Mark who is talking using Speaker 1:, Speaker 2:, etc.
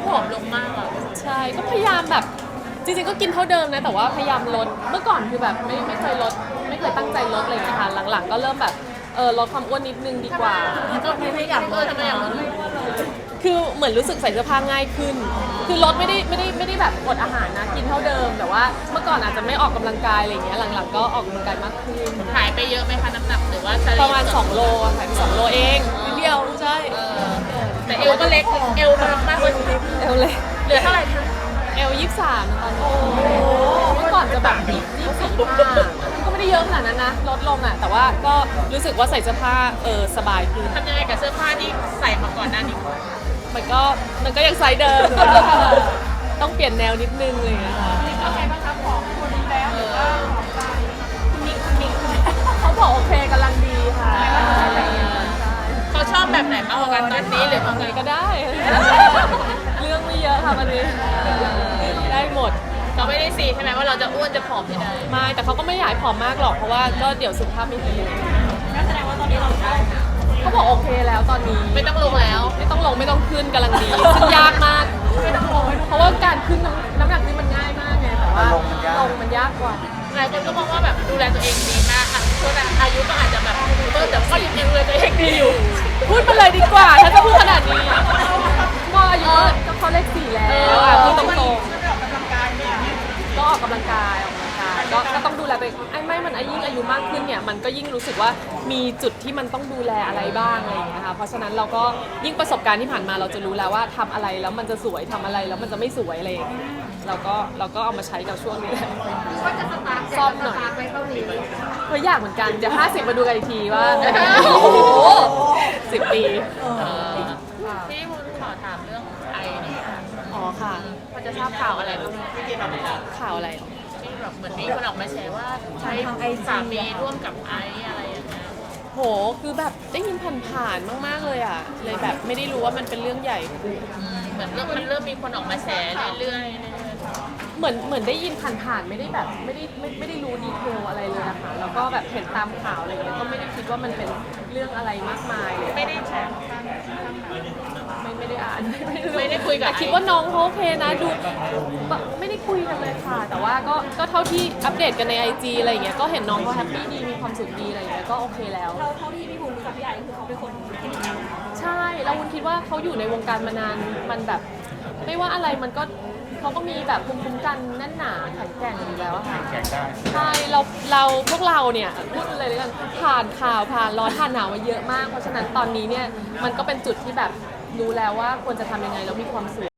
Speaker 1: ผอมลงมากอ่ะ
Speaker 2: ใช่ก็พยายามแบบจริงๆก็กินเท่าเดิมนะแต่ว่าพยายามลดเมื่อก่อนคือแบบไม่เคยลดไม่เคยตั้งใจลดอะไรอย่างเลยค่ะหลังๆก็เริ่มแบบลดความอ้วนนิดนึงดีกว่า
Speaker 1: ก็ไม่อยากทำไมอยากลด
Speaker 2: คือเหมือนรู้สึกใส่เสื้อผ้าง่ายขึ้น คือลดไม่ได้แบบอดอาหารนะกินเท่าเดิมแต่ว่าเมื่อก่อนอาจจะไม่ออกกำลังกายอะไรอย่างเงี้ยหลังๆก็ออกกำลังกายมากขึ้น
Speaker 1: หายไปเยอะไหมคะน้ำหนักหรือว่า
Speaker 2: ประมาณ2 โลหายไป2 โลเองนิดเดียวใช่
Speaker 1: แต่เอวก็เล็กเอวมันมากกว่านี้
Speaker 2: เอวเล็ก
Speaker 1: เหลือเท่าไหร่คะ
Speaker 2: เอล23ตอนนี้เมื่อก่อนจะแบบ24 25ก็ไม่ได้เยอะขนาดนั้นนะลดลงอ่ะแต่ว่าก็รู้สึกว่าใส่เสื้อผ้าสบายขึ้น
Speaker 1: ทำยังไงกับเสื้อผ้าที่ใส่มาก่อนหน้านี้
Speaker 2: มันก็ยังไซส์เดิมต้องเปลี่ยนแนวนิดนึงเลยนะคะโอเคบ้างครับของคนนี้แล้วเขาบอกโอเคกำลังดีค่ะ
Speaker 1: เขาชอบแบบไหนมากกว่ากันตอนนี้หรือว่าไง
Speaker 2: ก็ได้เรื่องไม่เยอะค่ะวันนี้ได้หมด
Speaker 1: เขาไม่ได้ซีใช่ไหมว่าเราจะอ้วนจะผอมยังไง
Speaker 2: ไม่แต่เขาก็ไม่อยากให้ผอมมากหรอกเพราะว่าก็เดี๋ยวสุขภาพไม่ดี
Speaker 1: ก็แสดงว่าตอนนี้เราได้
Speaker 2: เขาบอกโอเคแล้วตอนนี้
Speaker 1: ไม่ต้องลงแล้ว
Speaker 2: ไม่ต้องลงไม่ต้องขึ้นกำลังดีซึ่งยากมากเพราะว่าการขึ้นน้ำหนักนี่มันง่ายมากไงแต่ว่าลงมันยากกว่า
Speaker 1: หลายคนก็มองว่าแบบดูแลตัวเองดีมากอ่ะช่วงอายุก็อาจจะแบบแต่ก็ยังดูแลตัวเองดีอยู่
Speaker 2: พูดมาเลยดีกว่าถ้าจะพูดขนาดนี้ก็อายุก็เขาเลข4แล้วพูดตรงๆก็ออกกำลังกายก็ต้องดูแลตัวเองไม่มันยิ่งอายุมากขึ้นเนี่ยมันก็ยิ่งรู้สึกว่ามีจุดที่มันต้องดูแลอะไรบ้างอะไรอย่างเงี้ยค่ะเพราะฉะนั้นเราก็ยิ่งประสบการณ์ที่ผ่านมาเราจะรู้แล้วว่าทำอะไรแล้วมันจะสวยทำอะไรแล้วมันจะไม่สวยอะไรอย่างเงี้ยเราก็เอามาใช้กับช่วงนี้แหละซ่อมหน่อยอยากเหมือนกันเดี๋ยว50มาดูกันอีกทีว่าโอ้โห10 ปี
Speaker 1: ที่มุนขอถามเรื่องไอเนี่ย
Speaker 2: อ๋อค่ะ
Speaker 1: พอจะทราบข่าวอะไรบ้าง
Speaker 2: ข่าวอะไร
Speaker 1: ที่แบบเหมือนมีคนออกมาแชร์ว่าใช้สามีร่วมกับไออะไรอย่างเงี้ย
Speaker 2: โหคือแบบได้ยินผ่านๆมากๆเลยอ่ะเลยแบบไม่ได้รู้ว่ามันเป็นเรื่องใหญ่
Speaker 1: เหมือนมันเริ่มมีคนออกมาแชร์เรื่อย
Speaker 2: เหมือนได้ยินผ่านๆไม่ได้แบบไม่ได้รู้ดีเทลอะไรเลยนะคะแล้วก็แบบเห็นตามข่าวอะไรเงี้ยก็ไม่ได้คิดว่ามันเป็นเรื่องอะไรมากมายเลย
Speaker 1: ไม่ได้แชร์
Speaker 2: ไม่ได้อ่าน
Speaker 1: ไม่ได้คุยกับ
Speaker 2: คิดว่าน้องเขาโอเคนะดูไม่ได้คุยกันเลยค่ะ แต่ว่าก็เท่าที่อัปเดตกันใน IG อะไรอย่างเงี้ยก็เห็นน้องเขาแฮปปี้ดีมีความสุขดีอะไรอย่างเงี้ยก็โอเคแล้ว
Speaker 3: เท่าที่พี่ภูมิรู้จักพี่ไอคือเขาเป็นคน
Speaker 2: ใช่แล้ววุ้นคิดว่าเขาอยู่ในวงการมานานมันแบบไม่ว่าอะไรมันก็เขาก็มีแบบภูมิคุ้มกันแน่นหนาแข็งแกร่งอยู่แล้วค่ะใช่เราพวกเราเนี่ยพูดเลยด้วยกันผ่านข่าวผ่านร้อนผ่านหนาวมาเยอะมากเพราะฉะนั้นตอนนี้เนี่ยมันก็เป็นจุดที่แบบรู้แล้วว่าควรจะทำยังไงแล้วมีความสุข